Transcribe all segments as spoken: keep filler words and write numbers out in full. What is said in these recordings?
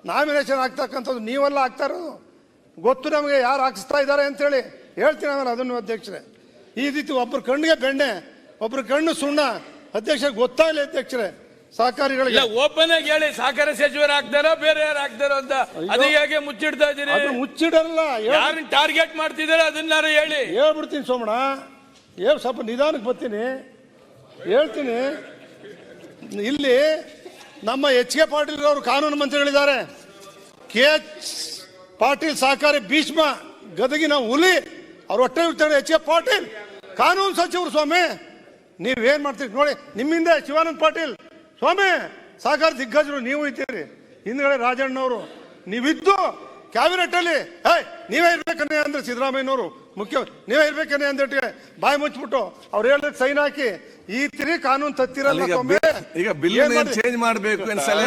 Nomination ಆಗ್ತಕ್ಕಂಥದ್ದು ನೀವೆಲ್ಲ ಆಗ್ತಾ ಇರೋದು ಗೊತ್ತು ನಮಗೆ, ಯಾರು ಹಾಕಿಸ್ತಾ ಇದ್ದಾರೆ ಅಂತೇಳಿ ಹೇಳ್ತೀನಿ ಆಮೇಲೆ ಅದನ್ನು ಅಧ್ಯಕ್ಷರೇ. ಈ ರೀತಿ ಒಬ್ಬರ ಕಣ್ಣಿಗೆ ಬೆಣ್ಣೆ ಒಬ್ಬರ ಕಣ್ಣು ಸುಣ್ಣ ಅಧ್ಯಕ್ಷ ಗೊತ್ತಾಗಲಿ ಅಧ್ಯಕ್ಷರೇ. ಸಹಕಾರಿಗಳಿಗೆ ಓಪನ್ ಆಗಿ ಹೇಳಿ, ಸಹಕಾರ ಸಚಿವರು ಆಗ್ತಾರೋ ಬೇರೆ ಯಾರು ಆಗ್ತಾರೋ ಅಂತ. ಅದು ಹೇಗೆ ಮುಚ್ಚಿಡ್ತಾ ಇದ್ದೀರಿ? ಮುಚ್ಚಿಡಲ್ಲ, ಯಾರನ್ನ ಟಾರ್ಗೆಟ್ ಮಾಡ್ತಿದ್ದಾರೆ ಅದನ್ನಾರು ಹೇಳಿ. ಹೇಳ್ಬಿಡ್ತೀನಿ ಸೋಮಣ್ಣ, ಹೇಳ್ ಸ್ವಲ್ಪ ನಿಧಾನಕ್ಕೆ ಬರ್ತೀನಿ, ಹೇಳ್ತೀನಿ. ಇಲ್ಲಿ ನಮ್ಮ ಎಚ್ ಕೆ ಪಾಟೀಲ್ ಅವರು ಕಾನೂನು ಮಂತ್ರಿಗಳಿದ್ದಾರೆ. ಕೆ ಎಚ್ ಪಾಟೀಲ್ ಸಹಕಾರಿ ಭೀಷ್ಮ ಗದಗಿನ ಹುಲಿ ಅವ್ರು ಹೊಟ್ಟೆ ಇರ್ತಾರೆ. ಎಚ್ ಕೆ ಪಾಟೀಲ್ ಕಾನೂನು ಸಚಿವರು. ಸ್ವಾಮಿ ನೀವೇನ್ ಮಾಡ್ತೀರಿ ನೋಡಿ, ನಿಮ್ಮಿಂದ ಶಿವಾನಂದ ಪಾಟೀಲ್ ಸ್ವಾಮಿ ಸಹಕಾರ ದಿಗ್ಗಜರು ನೀವು ಇದ್ದೀರಿ, ಹಿಂದ್ಗಡೆ ರಾಜಣ್ಣವರು ನೀವಿದ್ದು ಕ್ಯಾಬಿನೆಟ್ ಅಲ್ಲಿ ಏಯ್ ನೀವೇ ಇರ್ಬೇಕನ್ನೇ ಅಂದ್ರೆ ಸಿದ್ದರಾಮಯ್ಯನವರು ಮುಖ್ಯ ನೀವೇ ಇರ್ಬೇಕನ್ನೇ ಅಂದ್ಬಿಟ್ಟು ಬಾಯಿ ಮುಚ್ಚಿಬಿಟ್ಟು ಅವ್ರು ಹೇಳಿದ್ರೆ ಸೈನ್ ಹಾಕಿ ಈ ತಿರಿ ಕಾನೂನು ತತ್ತಿರಲ್ಲ. ಈಗ ಬಿಲ್ ಚೇಂಜ್ ಮಾಡಬೇಕು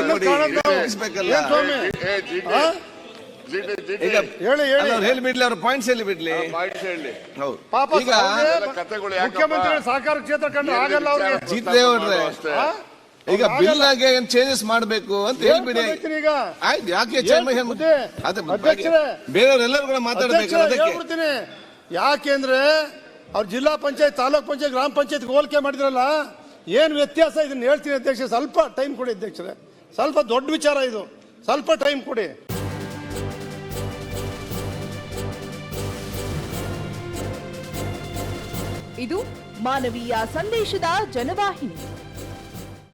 ಹೇಳಿ ಬಿಡ್ಲಿ, ಅವ್ರ ಪಾಯಿಂಟ್ಸ್ ಹೇಳಿ ಬಿಡ್ಲಿ. ಪಾಪ ಮುಖ್ಯಮಂತ್ರಿ ಸಹಕಾರ ಕ್ಷೇತ್ರ ಕಂಡ್ರೆ ಆಗಲ್ಲ ಅವ್ರಿಗೆ. ಜಿತೇವ್ರೆ ಈಗ ಬಿಲ್ ಆಗಿ ಚೇಂಜಸ್ ಮಾಡಬೇಕು ಅಂತ ಹೇಳ್ಬಿಡಿ. ಈಗ ಆಯ್ತು, ಯಾಕೆ ಬೇರೆಯವರೆಲ್ಲರೂ ಕೂಡ ಮಾತಾಡ್ಬೇಕು ಹೇಳ್ಬಿಡ್ತೀನಿ. ಯಾಕೆಂದ್ರೆ ಅವ್ರು ಜಿಲ್ಲಾ ಪಂಚಾಯತ್, ತಾಲೂಕ್ ಪಂಚಾಯತ್, ಗ್ರಾಮ ಪಂಚಾಯತ್ ಹೋಲಿಕೆ ಮಾಡಿದ್ರಲ್ಲ, ಏನ್ ವ್ಯತ್ಯಾಸ ಇದನ್ನ ಹೇಳ್ತೀನಿ ಅಧ್ಯಕ್ಷ. ಸ್ವಲ್ಪ ಟೈಮ್ ಕೊಡಿ ಅಧ್ಯಕ್ಷರೇ, ಸ್ವಲ್ಪ ದೊಡ್ಡ ವಿಚಾರ ಇದು, ಸ್ವಲ್ಪ ಟೈಮ್ ಕೊಡಿ. ಇದು ಮಾನವೀಯ ಸಂದೇಶದ ಜನವಾಹಿನಿ.